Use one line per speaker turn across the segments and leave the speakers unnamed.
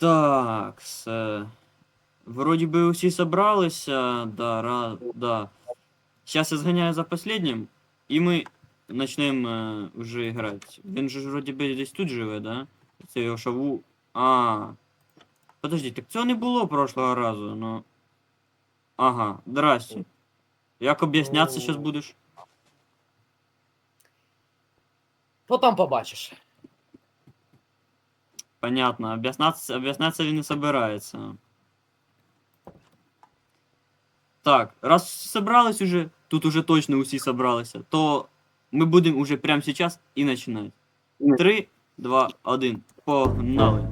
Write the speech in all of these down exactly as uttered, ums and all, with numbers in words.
Так, с... Вроде бы усі собралися, да, ра... да. Сейчас я сгоняю за последним, и мы начнем э, уже играть. Він же ж вроде би десь тут живе, да? Це його шаву... А. Подожди, так цього не було прошлого разу, но... Ага, здрасте. Як об'яснятися сейчас будеш?
Потом побачиш.
Понятно, об'ясняться, об'ясняться він не собирається. Так, раз собрались уже, тут уже точно усі собралися, то ми будемо уже прямо сейчас і починати. Три, два, один, погнали.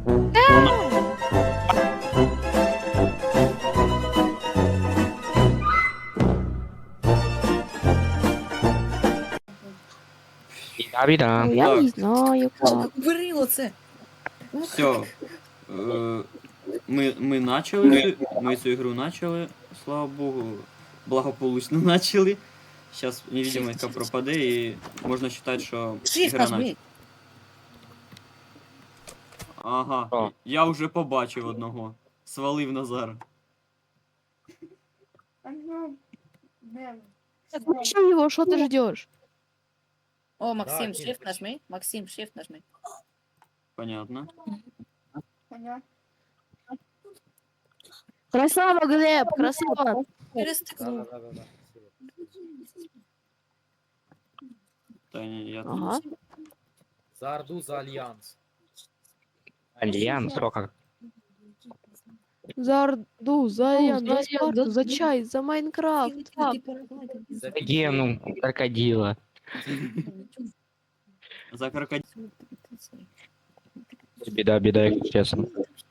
Біда-біда.
Ну, я
Так.
не знаю как.
Бери оце.
Все. Ми, ми начали, цю- ми цю ігру начали, слава Богу, благополучно начали. Сейчас невидимость пропаде і можна вважати, що
Shift
ігра начала.
нажми.
Ага,
О.
я вже побачив одного. Свалив Назар.
Зачем его? Что ты ждешь?
О, Максим,
Да,
shift
Кирка.
нажми. Максим, shift нажми.
Понятно.
Красава, Глеб, красава.
Через
Да,
стекло.
да, да, да.
Та ні, я тут.
Ага.
За Орду, за Альянс.
Альянс, о как.
За Орду, за Ян, за Спарту, за чай, за Майнкрафт.
За
Гену, крокодила.
За крокодил.
Біда-біда, якщо чесно.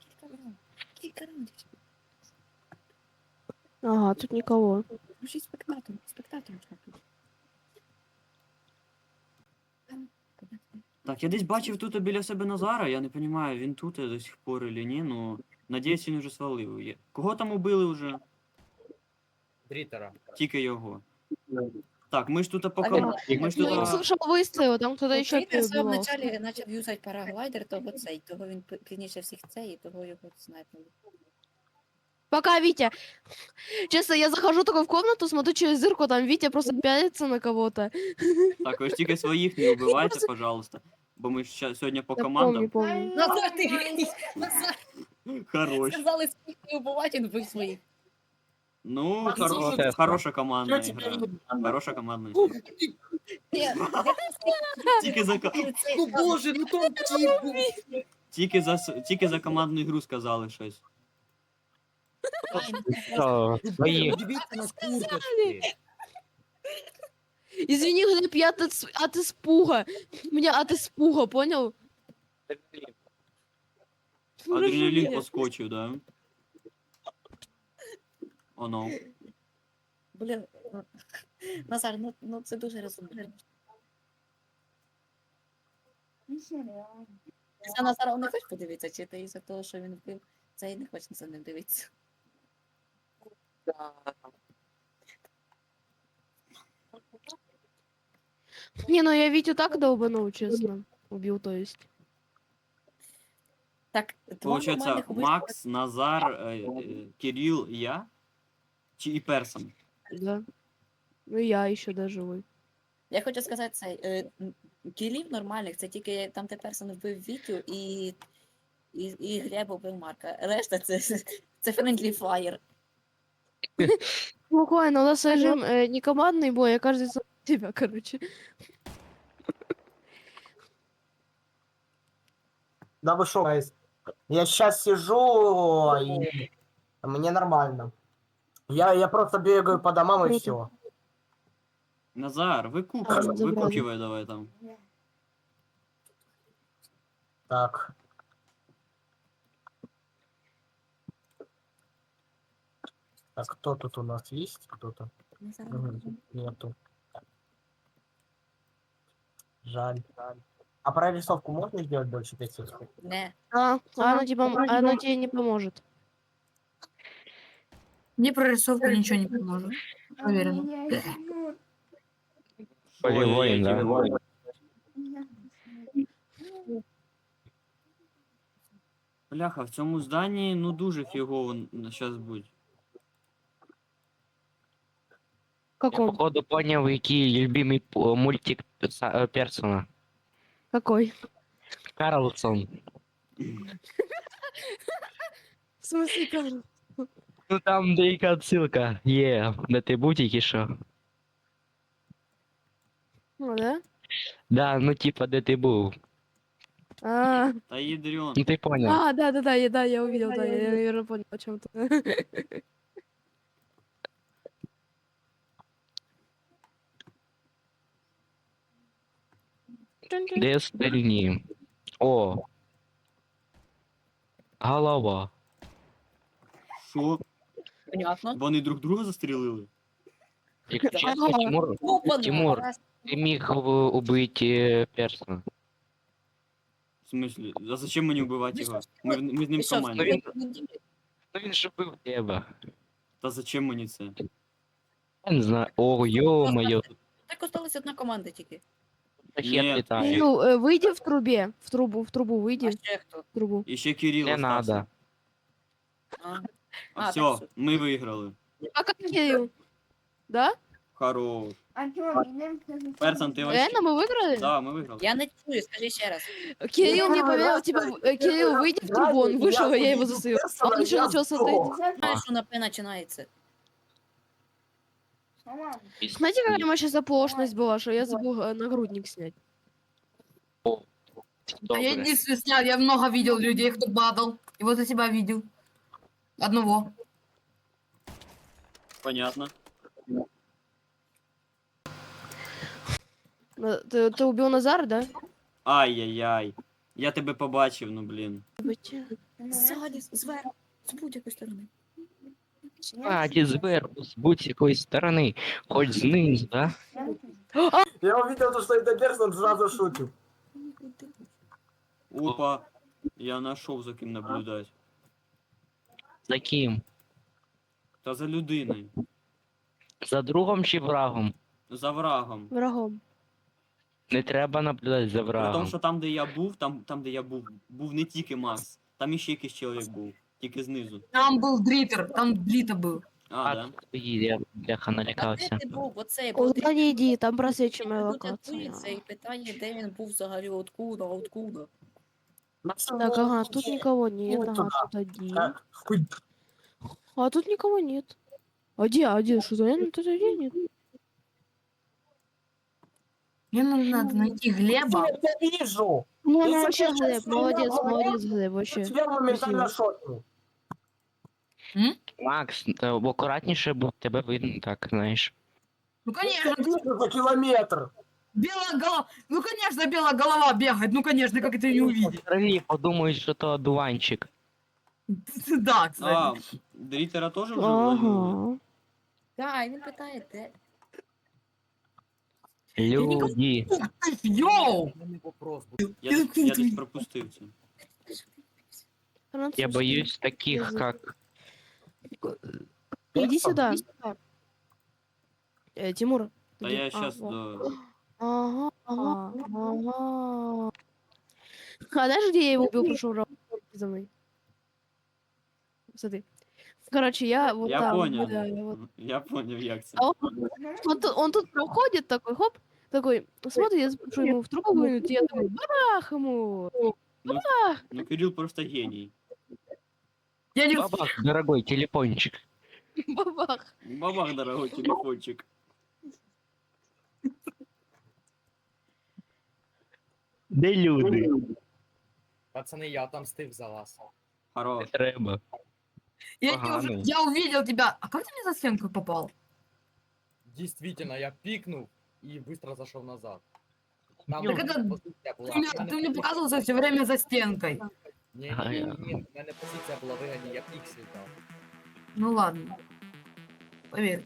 Ага, тут никого.
Включи спектатор. Спектатор.
Так, я десь бачив тут біля себе Назара, я не розумію, він тут до сих пор или ні, ну. Надіюсь, він вже свалив. Є- Кого там убили вже?
Дритера.
Тільки його. Так, ми ж тут по
А
ком...
він-
Ми ж
Ну,
тут...
я слышал выстрелы, там кто-то еще
Тритер в самому
перебивался.
началі почав юзати параглайдер, того цей, того він п- пізніше всіх цей, і того його снайпнули.
Пока, Витя. Честно, я захожу такой в комнату, смотрю через дырку, там Витя просто пялится на кого-то.
Так, ви ж тільки своїх не вбивайте, пожалуйста. Бо ми ж ща- сьогодні по
Я
командам.
помню, помню.
Назар, ти Назар,
Хорош.
сказали всіх не вбивати, він вбив своїх.
Ну,
Максим,
хоро...
чесно.
хороша командна гра. Хороша командна гра.
Ні,
Тільки за, ко-
Ну боже, ну там тип був.
тільки за, с- тільки за командну ігру сказали щось.
Що, свої.
Дивіться на курточки.
Извини, Глеб, я от, ис- от испуга. Меня от испуга, понял?
Адреналін
Прошу
поскочив, да? Оно.
Блін, ну, Назар, ну, ну це дуже розумно. За Назара не хочеш подивитися, чи ти із-за того, що він вбив, це і не хочеш за ним дивитися.
Не, ну я Витю так долбанул, честно. Убил, то есть.
Так, два
Получается,
нормальних убивства-
Макс, Назар, е, е, Кирил, я? Чи і Персон?
Да. Ну и я еще даже живой.
Я хочу сказати це, е, м, кілів нормальних, це тільки там тепер персон вбив Вітю і, і, і Глеб вбив Марка. Решта це, це friendly fire.
Спокойно, у нас режим э, не командный бой, а каждый за себя, короче.
Да вы шо, guys? Я сейчас сижу, и мне нормально. Я, я просто бегаю по домам и
Круто.
все.
Назар, викупивай,
Забрали.
викупивай давай там.
Так. Так, кто тут у нас есть? Кто-то? Мгм, Нету. Жаль. А прорисовку можно сделать больше пяти?
Не.
А, а оно, типа, а оно тебе не поможет.
Мне прорисовка ничего не поможет. Уверена.
Поле
Ой,
воїн, да?
які- Бляха, в цьому зданні, ну, дуже фігово зараз будь.
Я
Каком?
походу понял, який любимий п- мультик перса- э, персона.
Какой?
Карлсон.
В смысле, Карл?
Ну там деяка отсылка є, де ти був тільки що.
Ну, да?
Да, ну типа, де ти був.
А,
Та ядрен.
Ну ти понял.
а, да, да, да, я, да, я увидел, да, я, я, наверное, понял о чем то.
Де остальні? О. Голова.
Що?
Понятно.
Вони друг друга застрілили?
Якщо чесно, Тимур,
Опа,
Тимур, ти міг в- убити персона.
В смислі? А зачем мені вбивати
Ви
його?
що,
Ми, в- ми з ним
Ви
в
що,
команді.
він-
ви-
Ну він же бив тебе.
Та зачем мені це?
Я не знаю. О, ё-моё.
Так осталась одна команда тільки.
Ракет
Ні.
літає.
Ну, э, выйди в трубе, в трубу, в трубу
А
выйди,
ще хто?
в трубу.
І ще Кирил
Не
остався.
надо.
А,
А,
А,
все,
так все.
ми виграли.
А как Кирилл? Да?
Хорош. Персон, ти вообще...
Реально мы выиграли?
Да, ми виграли.
я не чую, скажи ще раз.
Кирилл мне поверил, типа, э, Кирилл, выйди в трубу, он вышел, а я его засыпал. Он еще начал смотреть.
Знаєш, що на П починається?
Знаете, какая у меня сейчас оплошность была, что я забыл э, нагрудник снять?
А я
Добре.
единственный снял, я много видел людей, кто падал. И вот я тебя видел. Одного.
Понятно.
На- Ты, ты убил Назара, да?
Ай-яй-яй. Я тебе побачив, ну блін.
Ззаді, зверху, з будь-якої сторони.
Сзади, зверху, з будь-якої сторони. Хоч знизу, да?
Я увидел то, что это персон, сразу шутил.
Опа. Я нашов за ким наблюдати.
За ким?
Та за людиною.
За другом чи врагом?
За врагом.
Врагом.
Не треба наблюдати за
При тому,
врагом.
що там, де я був, там, там, де я був, був не тільки Макс. Там іще якийсь чоловік був. Тільки знизу.
Там был Дритер, там Блита был.
А,
А,
да?
стоїть, я бляха
А де
налякався.
ти був? Оцей
Куда
був.
не иди, там просвечиваемая
Тут
локация.
готується і питання, де він був взагалі, откуда, откуда.
Так, ага, тут никого нет,
Вот
ага,
туда.
тут один.
Так, хуй.
А тут никого нет. А где, а где, что за тут где нет?
Мне надо найти Глеба.
Я тебя вижу.
Ну,
Если
ну вообще,
честно,
Глеб,
я
молодец,
говорю,
молодец, Глеб, вообще.
Тебя моментально
Спасибо.
шотнул.
Макс, та акуратніше, бо тебе видно так, знаєш.
Ну
Я
конечно,
тебя вижу за километр.
белая голова. Ну конечно, белая голова бегает. Ну конечно, как это не увидеть?
Взагалі подумають, що то одуванчик.
Да, кстати.
А, Дрітера теж вже ввалили?
Ага.
Так, і він питає, де.
Люди.
Йоу!
У мене вопрос буде.
Я, десь- я десь пропустив це.
Я
Французский.
боюсь таких,
Язык.
как...
Иди сюда. Э, Тимур.
Та
иди.
я
А,
щас
вот.
до...
Ага, ага, ага. А знаешь, где я его убил, прошел раунд за мной? Смотри. Короче, я вот
Я
там.
поняв.
да, я вот.
Я поняв, як це.
А он, он, тут, он тут проходит такой, хоп, такой, смотри, я спрашиваю ему в трубу, говорит, я такой, бабах ему.
Ну, Кирил просто геній.
Я не...
Бабах, дорогой телефончик.
Бабах.
Бабах, дорогой телефончик.
Де люди?
Пацани, я отомстив за вас.
Хорош.
Не треба.
Я,
Ага,
не уже-
ну.
я увидел тебя. А как ты мне за стенку попал?
Действительно, я пикнув і быстро зайшов назад. Там
Так
у мене
это-
позиція була.
Ты мне,
в мене
ты мне
позиція-
показывался все время за стенкой.
Ні,
Ага,
ні,
я-
ні, ні, в мене позиція була вигідна, я піксель дав.
Ну ладно. Поверь.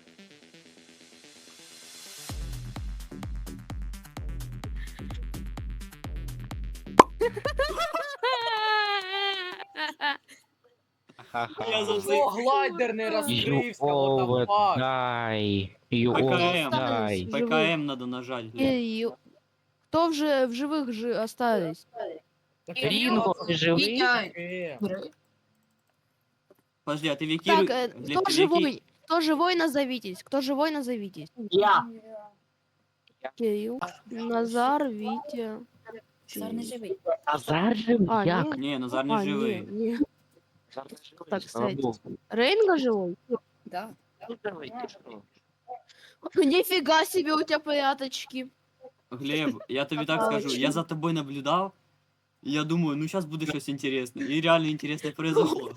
Ха-ха.
Я завжди...
О, глайдер не
You
розкрився, what the
all
fuck?
die. You all
ПКМ.
die.
ПКМ надо нажать. Глеб.
Эй, кто в, же, в живых же остались?
Рінго, ти живий?
Витя,
Е,
Подожди, а ты Викиру...
Так, э,
Глеб,
кто
ты Вики-
живой? Кто живой, назовитесь. Кто живой, назовитесь.
Я.
Кирилл, Назар, Витя.
Зар не живий.
Назар живий?
А,
Як?
не?
Не, Назар не
А, не,
живий.
не.
Назар не живий,
Так,
слава
кстати.
Богу.
Рейнга живой?
Да.
Ну, давай, ти що?
Нифига себе у тебя порядочки.
Глеб, я тобі так скажу, я за тобой наблюдав, і я думаю, ну сейчас буде щось інтересне. І реально інтересне произошло.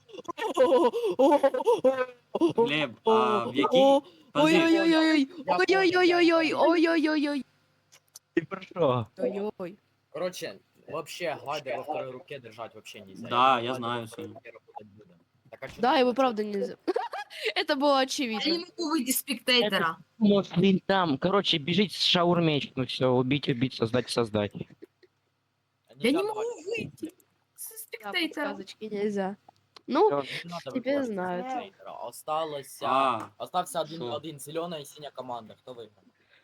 Глеб, а в якій... Подожди,
Ой-ой-ой-ой.
Я
Ой-ой-ой-ой. Ой-ой-ой-ой.
Ти про що?
Ой-ой.
Короче, вообще глайдер во второй руке держать вообще нельзя.
Да,
думаю,
я
глайдер
знаю
во второй
всё.
руке работать будет. Так, а чё
Да,
ты
его
хочешь?
правда нельзя. Это было
я не
очевидно.
могу выйти с спектейтера.
Может, він там. Короче, біжить з шаурмеч. Ну все, убить, убить, создать, создать.
А
Я
нельзя
не могу
давать
выйти с
Да,
спектейтера.
подсказочки нельзя. Ну,
Всё.
Не надо
Теперь
выбивать
знают.
спектейтера. Осталось... а,
А,
Остався один,
Шо?
один зеленая и синяя команда. Кто выиграл?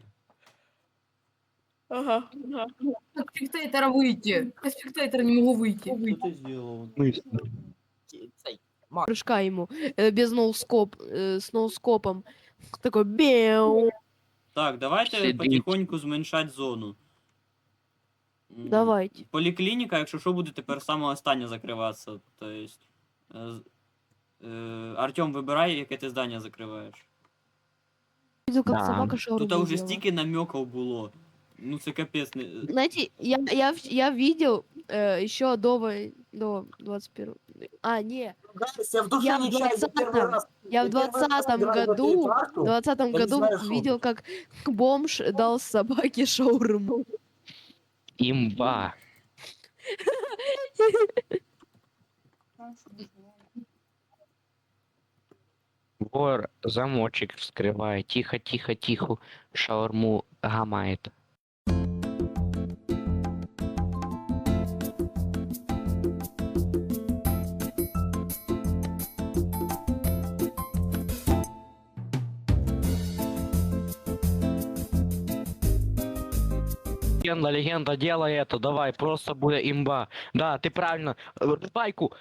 ага.
С спектейтера выйти. Я с спектейтера не могу выйти.
що ти зробив?
Ки- Цей, Макс,
Прыжка ему. э, без ноускоп. э, с ноускопом. Такой беу.
Так, давайте
Сидіть.
потихоньку зменшати зону. М,
Давайте.
Поліклініка, якщо що, буде тепер саме останнє закриватися. Тобто, е, з- е, Артем, вибирай, яке ти здання закриваєш.
Видел, как
Да.
собака шаурму
Тут вже
ела.
стільки намеків було. Ну це капець. не-
Знаете, я, я, в- я видел э, еще до, вой- до двадцать первого. А, не.
Гайс, я в душе
Я в
не чаю, я первый
двадцатом.
раз...
Я в
первый раз
двадцатом
играю в эту
году,
карту.
в двадцатом
я не
году
знаю, что
видел,
это.
как бомж дал собаке шаурму.
Имба. Вор замочек вскрывает. Тихо, тихо, тихо. Шаурму гамает. Легенда, легенда, делай это, давай, просто будет имба. Да, ты правильно. Э, Байку.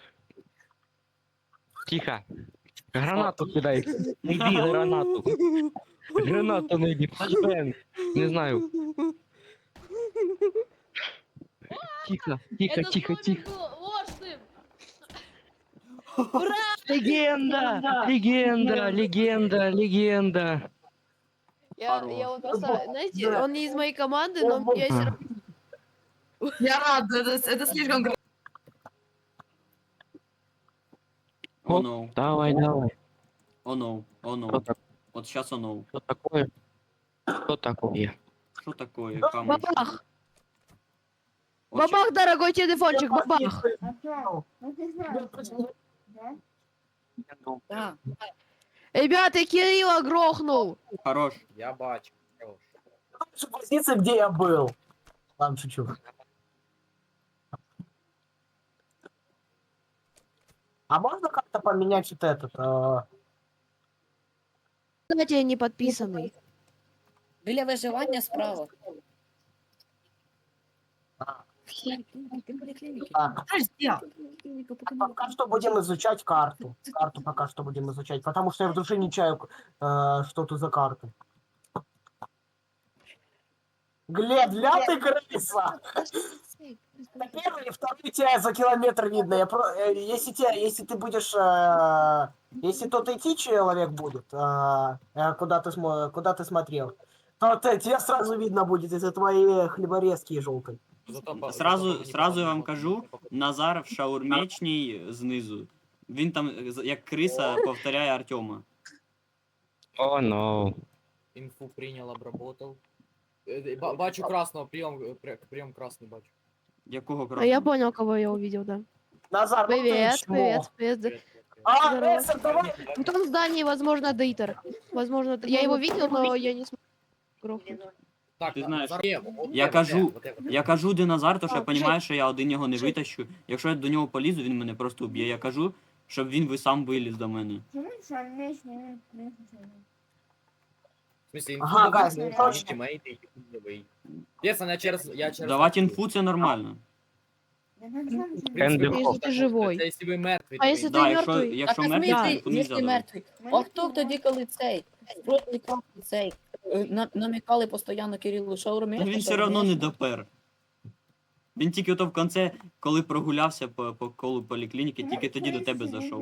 Тихо. Гранату кидай. Найди гранату. Гранату найди. Флешбэнг. Не знаю. Тихо, тихо, тихо, тихо. Легенда! Легенда, легенда, легенда.
Я,
Хорош.
я вот просто, знаете,
Да.
он не из моей команды, но я все равно...
Я рад, это, это слишком круто.
О,
Оп.
no,
Давай, давай.
о, no, о,
Что,
no.
так-
От сейчас о, no.
что такое? Что такое?
Що таке, камушки?
Бабах!
От щас-
Бабах, дорогой телефончик, бабах!
Да.
Ребята, Кирилла грохнул!
Хорош.
я бачу. Хорош.
Лучше позиции, где я был. Ладно, шучу. А можно как-то поменять вот этот? э,
Кстати, я не подписанный.
Біля виживання справа.
А.
Поліклініки.
Так,
Подожди.
пока что будем изучать карту. Карту пока что будем изучать, потому что я в душе не чаю, э, что тут за карта. Глеб, ля ты крыса! На первый и второй тебя за километр видно. Я про... э, если, тебя, если ты будешь... э, Если тот идти человек будет, э, э, куда, ты смо... куда ты смотрел, то ты- тебя сразу видно будет из-за твоей хлеборезки желтой.
Зато по-
Сразу,
зато
сразу я вам
не
кажу, Назар в шаурмечній знизу. Він там е, з- як криса повторяє Артема.
О, но.
Инфу принял, обработал. Э, ба- Бачу красного, прием, э, пр- прием красный бачу.
Якого
А
красного?
я понял, кого я увидел, да.
Назар, ну ты
Привет,
чмо.
привет, привет.
Привет, привет, привет.
А,
Здорово.
Эссен, давай!
В том здании, возможно, дейтер. Возможно, д- я его видел, но я не смог грохнуть.
Так,
Ти
на-
знаєш,
Назар, е, вот
я
это,
кажу,
вот это, вот это.
Я кажу, де Назар, то що я
А,
розумію, що я один його не
Жень.
витащу. Якщо я до нього полізу, він мене просто вб'є. Я кажу, щоб він ви сам виліз до мене.
В смысле, инфу
Ага,
давать,
гайз,
ну,
короче.
тиммейты, типа, новый. Честно, я через... Я через
Давати
так-
інфу це нормально.
Кенди
Если
Хоп.
ты живой.
Це якщо ви мертві.
А
то
якщо
ви-
Да,
ти
якщо,
мертвий?
якщо
а в
мертвий,
смислі,
то не
якщо
можна.
мертвий? А хто тоді, коли цей? Проти капки цей? е, на- Намікали постійно Кирилу, що
Та
вмієш,
він
що
все одно не
вмієш?
допер. Він тільки ото в кінці, коли прогулявся по, по колу поліклініки, тільки тоді до тебе зайшов.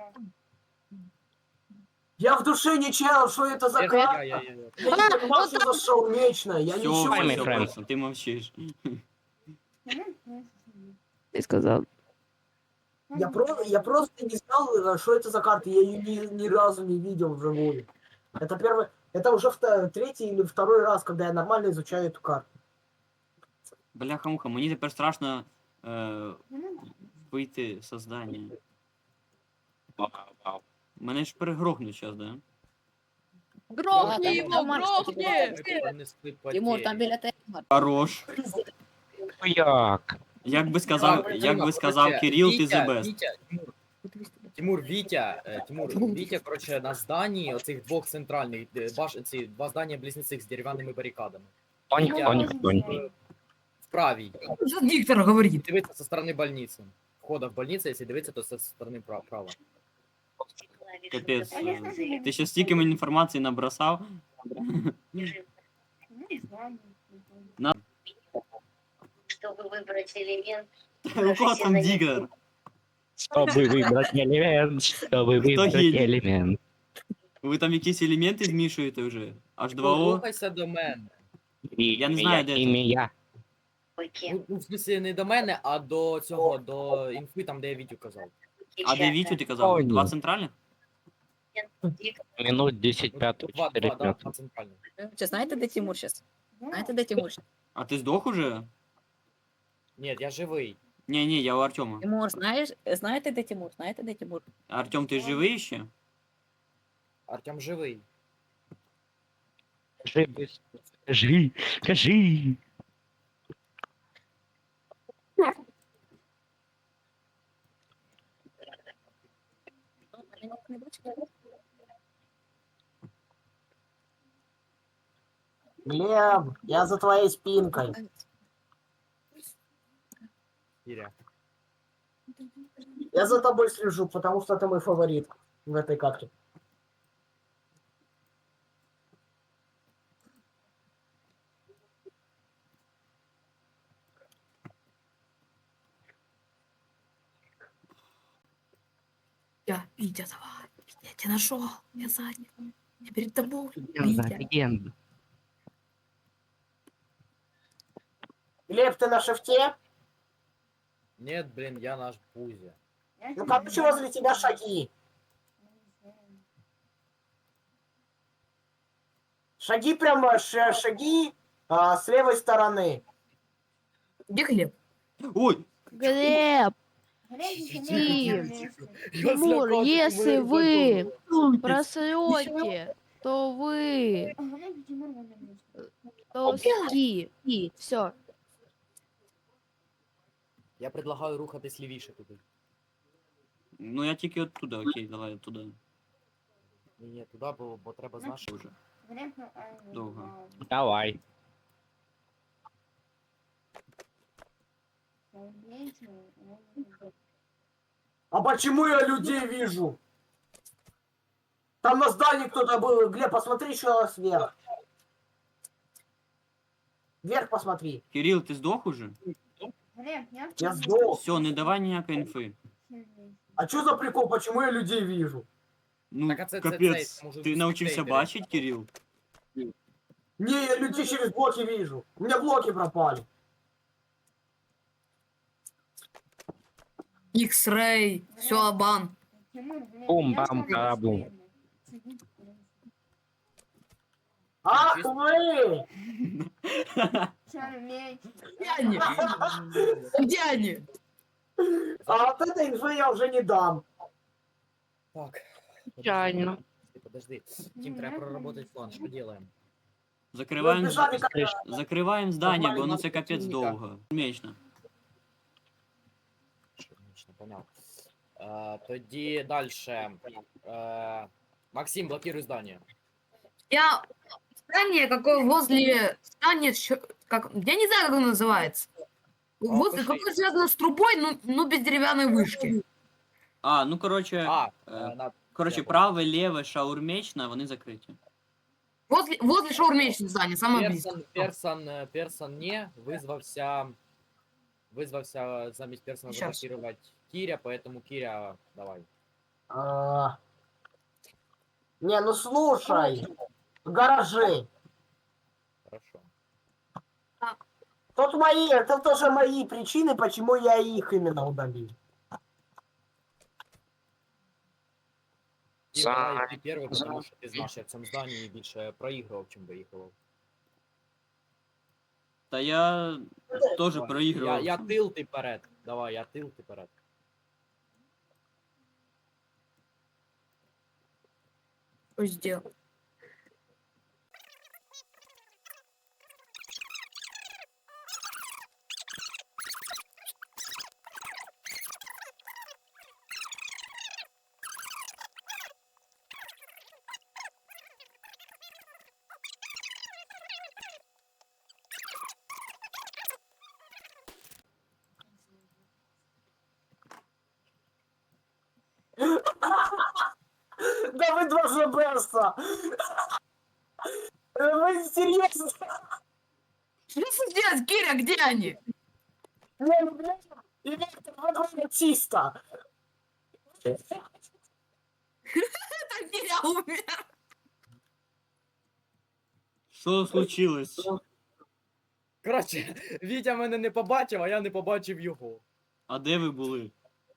Я в душе не чаял, что это за
Я-
карта.
я- я- я-
Я не понимал, что зашел вечно. Я
Все,
ничего
Ай,
не
мій
все,
френд.
просто, ти мовчиш.
Ты сказал.
Я, про... я просто не знал, э, что это за карта. Я ее ни, ни разу не видел вживую. Это первый... Это уже вто- третий или второй раз, когда я нормально изучаю эту карту.
Бляха-муха, мені тепер страшно е, вийти з здання. Мене ж перегрохнуть зараз, да?
Грохни
там-
его,
там Марс
грохни!
Ми понесли
Тимур, там
потері.
біля тебе. Марк.
Хорош.
Ну як?
Як би сказав,
Так,
як би сказав
короче,
Кирил, ти
Вітя,
the best.
Вітя, Тимур, Тимур, Вітя, е, Тимур, Вітя, короче, на зданні оцих двох центральних, де баш, ці два здання близнецих з дерев'яними барикадами.
Тонік,
Вітя,
тонік, тонік.
е, в правій.
Что диктор говорит?
Дивиться со сторони больниці. Входа в больницю, якщо дивитися, то со сторони прав- права.
Капець. е, Ти ще стільки мені інформації набросав. На-
Чтобы выбрать элемент,
У кого там дігер?
Чтобы выбрать элемент, чтобы выбрать
гений?
элемент.
Ви там якісь елементи змішуєте вже? аж два о?
Рухайся до мене.
Я не знаю, де це.
Ім'я.
пакет,
Ну, ну, в смысле, не до мене, а до цього, до інфи, там, де я Вітю казав.
А де Вітю ти казав?
Ой,
Два
ні.
центральних?
Минут десять,
Ну,
пятого,
два,
четыре,
два, да,
пятого.
два центральних.
Чи знаєте, де Тимур зараз? Знаєте, де Тимур? щас?
А ти здох уже?
Ні, я живий.
Ні, ні, я у Артема.
Тимур, знаєш, знаєте, де Тимур? Знаєте, де Тимур?
Артем, ти живий ще?
Артем живий.
Кажи, быстро. Кажи, кажи.
Ну, мене не бачить.
Глеб, я за твоей спинкой.
Іря.
Я за тобой слежу, потому что ты мой фаворит в этой карте.
Я, Витя, давай. Витя, я тебя нашел. Я сзади. Я перед тобой.
Легенда,
Витя.
легенда.
Глеб, ты на шифте?
Нет, блин, я наш Бузя.
Ну, короче, возле тебя шаги. Шаги прямо, ш- шаги а, с левой стороны.
Где Глеб?
Ой!
Глеб,
Я
Тимур,
злякався,
если
мене
вы
задуло.
просрете, то вы... То ски. Все.
Я предлагаю рухатись лівіше туди.
Ну я тільки от туди, окей, давай туди.
Ні, ні, туди, бо, бо треба з нашого вже.
Довго.
Давай.
А почему я людей вижу? Там на здании кто-то был. Глеб, посмотри еще раз вверх. Вверх посмотри.
Кирил, ти здох уже?
Я сдох.
Все, не давай ніякої інфи.
А что за прикол? Почему я людей вижу?
Ну,
Так, а це- це-
капець,
це, може,
ти
в
навчився
спектейторі.
бачити, Кирил?
Не, я людей через блоки вижу. У меня блоки пропали.
X-Ray. Все, бан.
Бум-бам-барабум.
Ах вы!
Где они? Где они?
А вот этой инфы я уже не дам.
Так.
Печально.
Подожди, Тим, треба проработать план, що делаем?
Закриваємо,
Ну, бежали как раз.
закриваємо здання, бо ну це
Нормально,
капець
клініка.
довго. Смішно.
Отлично, понял. Е, тоді дальше. Е, Максим, блокируй здание.
Я здание какое возле здания, чё- как, я не знаю, как оно называется. Господи,
пошли.
какое связано с трубой, но, но без деревянной вышки?
А, ну коротше,
А,
е,
е, на-
коротше,
я
праве, ліве, шаурмечна, вони закриті.
Возле, возле шаурмечной здания, самое близко.
Персон, Персон, е, Персон не визвався, визвався замість Персона
Щас.
заблокувати Кіря, поэтому Кіря, давай.
А, Не, ну слушай. Гаражи.
Хорошо.
Тут мои, это тоже мои причины, почему я их именно удалил.
Кір,
За-
давай ти перший, тому що ти знаєш, я в цьому зданні більше проігрував, чим виігрував.
Та я теж
Давай.
проігрував.
Я, я тил, ти перед. Давай, я тил, ти перед.
Что сделал?
Да вы два жабеса! Вы серьезно?
Что здесь, Киря, где они?
Не, ну блядь, и Виктор, вы двое чисто.
Это Киря умер.
Що случилось?
Коротше, Вітя мене не побачив, а я не побачив його.
А де ви були?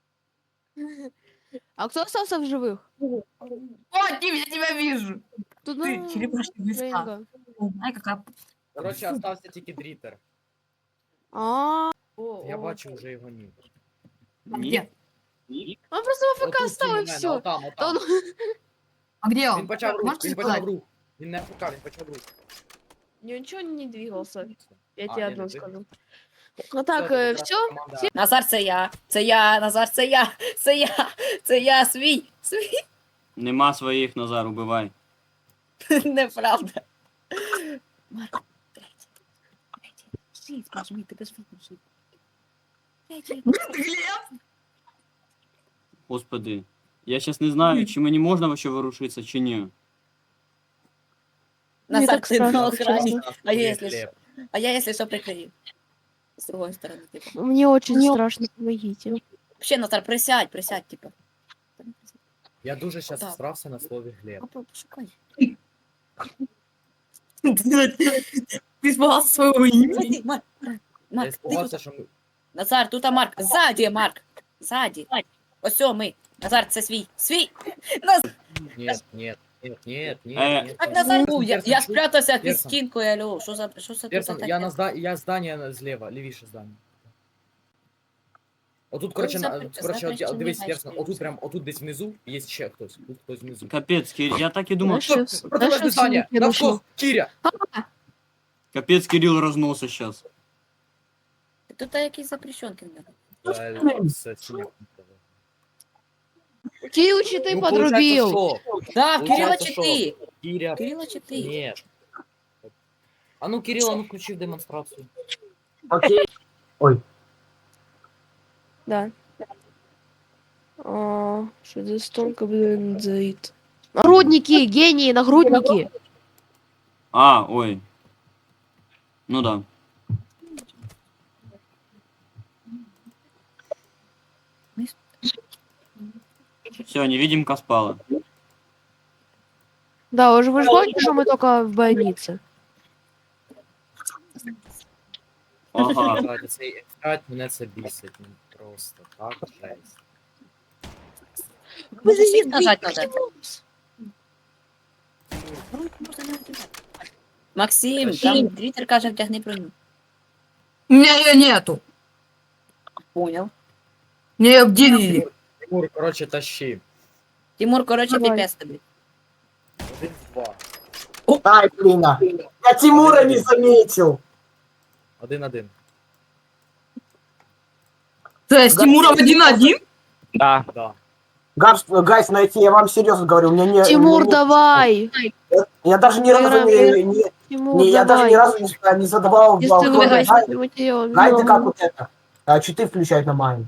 А кто остался в живых?
О, Тим, я тебя вижу.
Тут
Ты
ну,
черепашный листа.
Рейнга.
Ай, какая...
Коротше, остався тільки дрітер.
А,
Я бачу вже його ні.
Где?
он просто в АФК
Отут
стал и
у мене,
все.
Отам,
Да
отам.
он...
А где
Він
он?
почав рух,
Можете
він почав
сказать?
рух. Він не АФК, він почав рух.
Ничего не двигался. Я
А,
тебе
не,
одно
не двигался.
скажу. Ну так,
Всё,
э,
це
все.
команда.
Назар, це я. Це я, Назар, це я. Це я. Це я свій. Свій.
Нема своїх, Назар, убивай.
Неправда. Марко, третій. Третій. Шість, нажми, ти без фокусу. Третій.
Глеб?
Господи. Я сейчас не знаю, чи мені можна вообще ворушитися, чи ні.
Мне
Назар,
так
ти на
страшно,
охрані.
честно.
А я, якщо
Глеб.
що, а я, якщо що, прикрию. З другої сторони, типу.
Мне очень страшно, помогите.
Вообще, Назар, присядь, присядь, типу.
Я дуже щас
Так.
всрався на слові Глеб.
Попробуй, пошукай.
Ты испугался своего имени.
Зайди, Марк.
Я
Марк, ти
спугався,
тут.
що ми...
Назар, тут а Марк. Ззаді, Марк. Ззаді. Ось о, ми. Назар, це свій. Свій. Назар.
Нет, нет, нет, нет,
Е.
нет, нет.
Так, Назар,
Персон,
я,
Персон,
я
чуй.
спрятався під
Персон.
стінкою, алло. Що за, що це тут
Персон,
за
я на
таке?
зда... я здання зліва, лівіше здання. Отут, коротше, на...
запre-
коротше, от,
запрещений
дивись,
гайд
Персон, отут
стоїть.
прям, отут десь внизу є ще хтось, тут хтось внизу.
Капець, Кир, я так і думав,
Знаешь,
що...
всё-
Протилежне
знаешь,
здання,
всё не
навскос,
хорошо.
Кіря!
Капець, Кирил розносся сейчас.
Тут якісь запрещенки. в нього.
Е, це синя кнопка.
Кирилл, ты
Ну,
подрубил.
получается, що?
Да, Кирила
Получається,
чи
що?
ти?
Кіря...
Кирила чи ти?
Ні. А ну, Кирилл, а ну включи демонстрацію.
Окей.
Да. А, что здесь тонко, блин, заит. Нагрудники, гении, нагрудники.
А, ой. Ну да. Все, невидимка спала.
Да, уже вы же помните, что мы только в больнице.
Ага.
Раді, цей ефект мене це бісить. Ну, просто так, жесть.
Може, світ нажать надо? Максим, там дрітер каже, втягни броню.
У меня ее нету.
Понял.
Мне ее обделили.
Тимур, коротше, тащи.
Тимур, короче,
Давай.
пипец тобі.
Один, два.
Ай, блин. Я Тимура не заметил.
Один-один.
То есть Тимуров один-один?
Да.
Да.
Гайс, гайс, найти, я вам серьезно говорю, у меня не... у
Тимур,
меня не-
давай.
Я даже ни разу
Играем,
не, не,
Тимур,
Не, я даже
давай.
ни разу не, не задавал
Если ты
балкон.
выиграешь,
Знаете,
мы тебе
знаете, как
убьем.
вот это? А, читы включать на майн.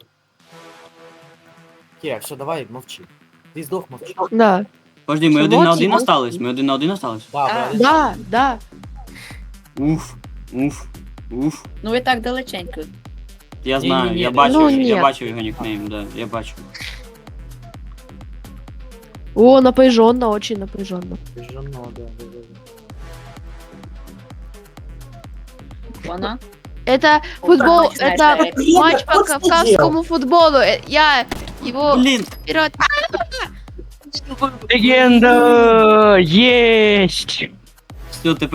Кіра, все, давай, мовчи. Ти здох, мовчи.
Да.
Подожди, ми
Що,
один на
молчи,
один
молчи.
остались, ми один на один остались.
Да,
А,
ви-
Да, да.
Уф, уф, уф.
Ну ви так далеченько.
Я
Ні,
знаю,
ні, ні,
я
не
бачив,
Ну,
я
ні.
бачив його нікнейм, да, я бачив.
О, напряженно, очень напряженно.
Жено, да, да, да, да.
Вона.
Это футбол,
начинаешь
это
проект.
матч по
Блин, да
кавказскому футболу. Э, Я его
Блін,
вперед.
Легенда! Есть!
все, тепер.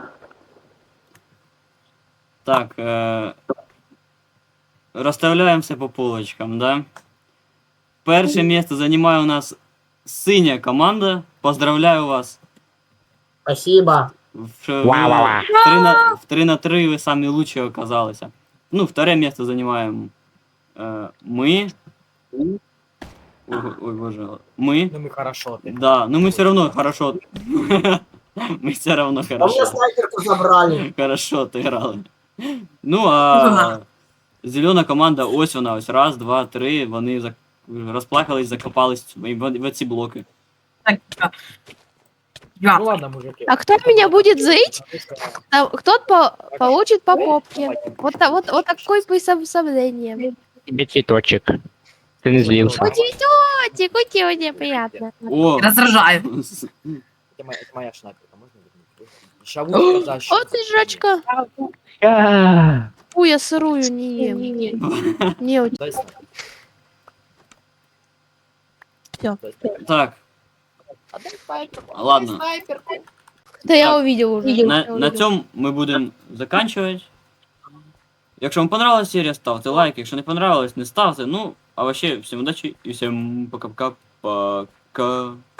Так, е... розставляємо все по полочкам, да? Перше місце займає у нас синя команда. Поздравляю вас.
Спасибо.
В, в,
Ва-ва-ва.
в, три на, в три на три ви самі лучші оказалися. Ну, второе місце займаємо е, ми. Ой, ой, боже. Ми.
Ну ми хорошо, ти.
Да, но мы все равно хорошо. Мы все равно
А у меня
хорошо.
снайперку забрали.
Хорошо отыграли. Ну, а зелена команда, ось вона, ось раз, два, три, вони зак... розплакались, закопались в, в, в ці блоки.
Так, я.
Ну ладно, мужики.
А кто меня будет зыть? Там кто-то по- получит по попке. Вот, та- вот, вот такой присоединение.
Тебе цветочек. Ты не злился.
Ути, ути, ути, ути, приятно.
О!
Раздражаю.
Це моя, це моя шнайперка, можна вернути? Шаву сказав, що...
О, ты жрачка.
А,
Фу, я сырую не ем. Не, у
Дай снайпер.
Всё.
Дай снайпер.
Так, ладно.
Да я
Так,
увидел уже.
На,
я
на
увидел.
цьому ми будемо заканчувати. Якщо вам понравилась серія, ставте лайк. Якщо не понравилось, не ставте. Ну, а вообще, всім удачі і всім пока-пока. Пока.